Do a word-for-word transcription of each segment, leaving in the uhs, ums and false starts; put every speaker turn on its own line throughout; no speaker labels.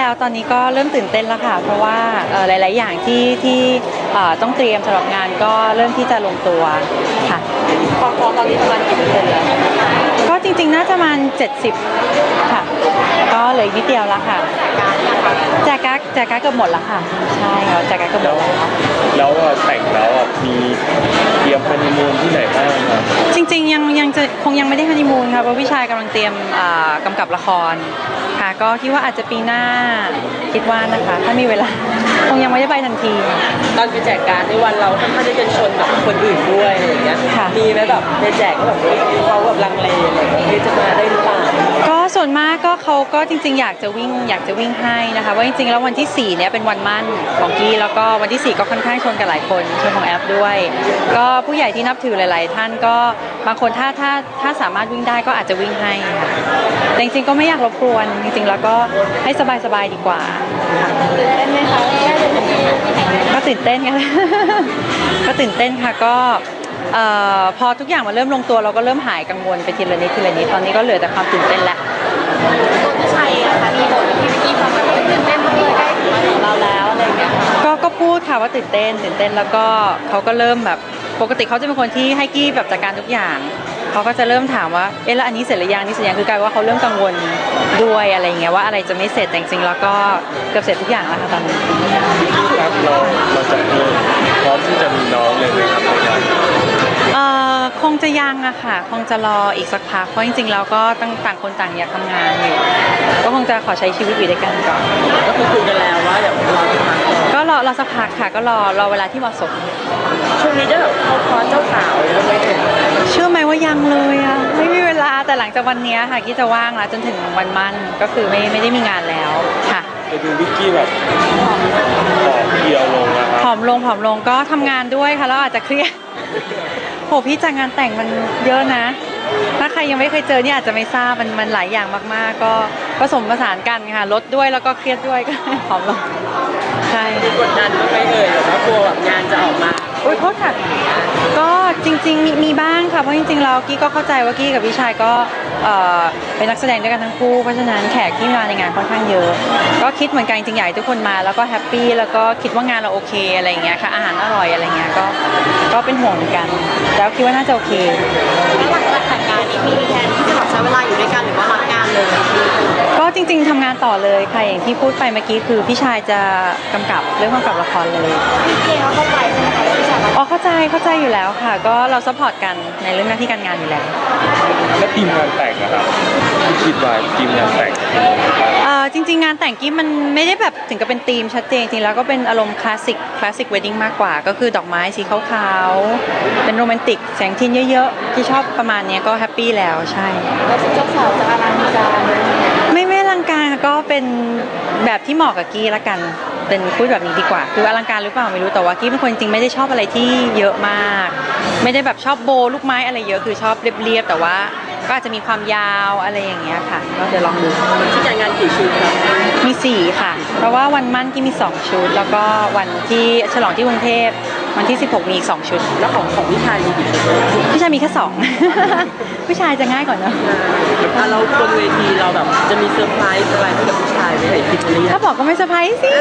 แล้วตอนนี้ก็เริ่มตื่นเต้นแล้วค่ะเพราะว่าหลายๆอย่างที่ที่ต้องเตรียมสำหรับงานก็เริ่มที่จะลงตัวค่ะ
ความพร้อมตอนนี้ประมาณกี่เปอร์เซ็นต์แล้ว
ก็จริงๆน่าจะประมาณเจ็ดสิบค่ะก็เหลืออีกนิดเดียวแล้วค่ะแจกการ์ดแจกการ์ดเกือบหมดแล้วค่ะใช่ค่ะแจกการ์ดเกือบหมดแล้ว
แล้วแต่งแล้วมีเตรียมฮันนีมูนที่ไหนบ้างครับ
จริงๆยังยังจะคงยังไม่ได้ฮันนีมูนค่ะเพราะพี่ชายกำลังเตรียมกำกับละครค่ะก็คิดว่าอาจจะปีหน้าคิดว่านะคะถ้ามีเวลาคงยังไม่ได้ไปทันที
ตอนไปแจกการ์ดในวันเราค่อนข้างจะเป็นชนกับคนอื่นด้วยอะไรอย่างเงี้ยมีไหมแบบไปแจกก็แบบเขาแบบลังเลอะไรอย่างเงี้ยจะมาได้หรือเปล่า
ก็ส่วนมากก็เขาก็จริงๆอยากจะวิ่งอยากจะวิ่งให้นะคะว่าจริงๆแล้ววันที่สี่เนี่ยเป็นวันมั่นของกี้แล้วก็วันที่สี่ก็ค่อนข้างชนกับหลายคนชนของแอปด้วยก็ผู้ใหญ่ที่นับถือหลายๆท่านก็บางคนถ้าถ้าถ้าสามารถวิ่งได้ก็อาจจะวิ่งให้ค่ะแต่จริงๆก็ไม่อยากรบกวนจริงๆแล้วก็ให้สบายๆดีกว่า
ตื่นเต้นไหมคะ
ก็ตื่นเต้นกันก็ตื่นเต้นค่ะก็พอทุกอย่างมันเริ่มลงตัวเราก็เริ่มหายกังวลไปทีละนิดทีละนิดตอนนี้ก็เหลือแต่ความตื่นเต้นแล้ว
ตัวพี่ชัยอะค่ะมีบทที่พี่ฟังมาตื่นเต้นมากเลยใกล้ถึงวันของเราแล้วอะไรอย่างเงี้ย
ก็ก็พูดค่ะว่าตื่นเต้นตื่นเต้นแล้วก็เขาก็เริ่มแบบปกติเขาจะเป็นคนที่ให้กี้แบบจัดการทุกอย่างเขาก็จะเริ่มถามว่าเอ๊ะแล้วอันนี้เสร็จหรือยังนี่เสร็จยังคือกลายว่าเขาเริ่มกังวลด้วยอะไรเงี้ยว่าอะไรจะไม่เสร็จแต่จริงๆแล้วก็เกือบเสร็จทุกอย่างแล้วค่ะตอนนี้
ครับเราเราจะพร้อมที่จะมีน้องเลยไหมครับ
เอ่อคงจะยังอะค่ะคงจะรออีกสักพักเพราะจริงๆแล้วก็ตั้งต่างคนต่างอยากทำงานอยู่ก็คงจะขอใช้ชีวิตอยู่ด้วยกันก่อน
ก็คือคุยกันแล้วว่าเดี๋ยวรอสักพัก
ก็รอรอสักพักค่ะก็รอรอเวลาที่เหมาะสม
ช่วงนี้ได้แบบเข้าคอร์สเจ้าสาวเลยไหม
เชื่อไหมว่ายังเลยอะไม่มีเวลาแต่หลังจากวันนี้ค่ะกี้จะว่างแล้วจนถึงวันมั่นก็คือไม่ไม่ได้มีงานแล้วค่ะ
ไปดูวิกกี้แบบผอมเพียวลงนะครับ
ผอมลงผอมลงก็ทำงานด้วยค่ะแล้วอาจจะเครียดโหพี่จากงานแต่งมันเยอะนะถ้าใครยังไม่เคยเจอเนี่ยอาจจะไม่ทราบมันมันหลายอย่างมากๆก็ผสมผสานกันค่ะลดด้วยแล้วก็เครียดด้วยก็ผอมลงใช่
กดดันไม่เอ่ยหรือว่ากลัวแบบงานจะออกมา
โอ๊ยโทษค่ะก็จริงๆมีมีบ้างค่ะเพราะจริงๆเรากี้ก็เข้าใจว่ากี้กับพี่ชายก็เป็นนักแสดงด้วยกันทั้งคู่เพราะฉะนั้นแขกที่มาในงานค่อนข้างเยอะก็คิดเหมือนกันจริงๆอยากให้ทุกคนมาแล้วก็แฮปปี้แล้วก็คิดว่างานเราโอเคอะไรอย่างเงี้ยค่ะอาหารอร่อยอะไรเงี้ยก็ก็เป็นห่วงเหมือนกันแล้วคิดว่าน่าจะโอเค
แล้วหลังจากแต่งงานนี้มีแผนที่จะแบบใช้เวลาอยู่ด้วยกันหรือว่ารับงานเลย
ก็จริงๆทำงานต่อเลยค่ะอย่างที่พูดไปเมื่อกี้คือพี่ชายจะกำกับเรื่องกำกับละครเลย
พี่เจเขาเข้าใจใช่ไหมคะพี่ชาย
อ๋อเข้าใจเข้าใจอยู่แล้วค่ะก็เราซัพพอร์ตกันในเรื่องหน้าที่การงานอยู่แล้ว
แล้วทีมงานแต่งนะครับที่คิดไว้ทีมงานแต่ง
จริงๆงานแต่งกี้มันไม่ได้แบบถึงกับเป็นธีมชัดเจนจริงแล้วก็เป็นอารมณ์คลาสสิกคลาสสิกเวดดิ้งมากกว่าก็คือดอกไม้สีขาวๆเป็นโรแมนติกแสงเทียนเยอะๆที่ชอบประมาณนี้ก็แฮปปี้แล้วใช่
แล้วเจ้าสาวจะอลังการ
ไม่ไม่อลังการก็เป็นแบบที่เหมาะกับกี้ละกันเป็นพูดแบบนี้ดีกว่าคืออลังการหรือเปล่าไม่รู้แต่ว่ากี้เป็นคนจริงไม่ได้ชอบอะไรที่เยอะมากไม่ได้แบบชอบโบลูกไม้อะไรเยอะคือชอบเรียบๆแต่ว่าก็อาจจะมีความยาวอะไรอย่างเงี้ยค่ะก็เดี๋ยวลองดู
ที่จัดงานกี่ชุดครับ
มีสี่ค่ะเพราะว่าวันมั่นกี้มีสองชุดแล้วก็วันที่ฉลองที่กรุงเทพวันที่สิบหกมีอีกสองชุด
แล้วของของพี่ชายมีกี่ชุด
พี่ชายมีแค่สองพี่ชายจะง่ายกว่าเนอะ
เราบนเวทีเราแบบจะมีเซอร์ไพรส์อะไรให้กับพี่ชายไหมคิดหรือยัง
ถ้าบอกก็ไม่เซอร์ไพรส์สิ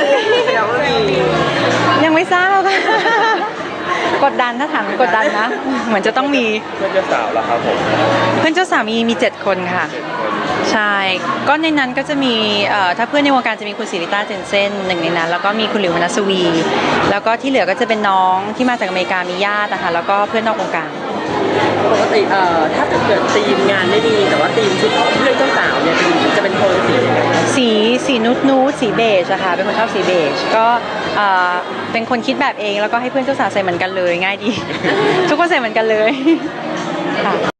ยังไม่ทราบกดดันถ้าถามกดดันนะเหมือนจะต้องมี
เพื่อนเจ้าสาวแล้วครับผม
เพื่อนเจ้าสาวมีมีเจ็ดคนค่ะใช่ก็ในนั้นก็จะมีถ้าเพื่อนในวงการจะมีคุณศิริต้าเจนเซ่นหนึ่งในนั้นแล้วก็มีคุณหลิวมนัสวีแล้วก็ที่เหลือก็จะเป็นน้องที่มาจากอเมริกามีญาตินะคะแล้วก็เพื่อนนอกวงการ
ปกติเอ่อถ้าเกิดทีมงานไม่ดีแต่ว่าทีมชุดเพื่อนเจ้าสาวเนี่ยจะเป็นโทนสี
สีสีนูดนูดสีเบจอะค่ะเป็นคนชอบสีเบจก็เป็นคนคิดแบบเองแล้วก็ให้เพื่อนเจ้าสาวใส่เหมือนกันเลยง่ายดีทุกคนใส่เหมือนกันเลยค่ะ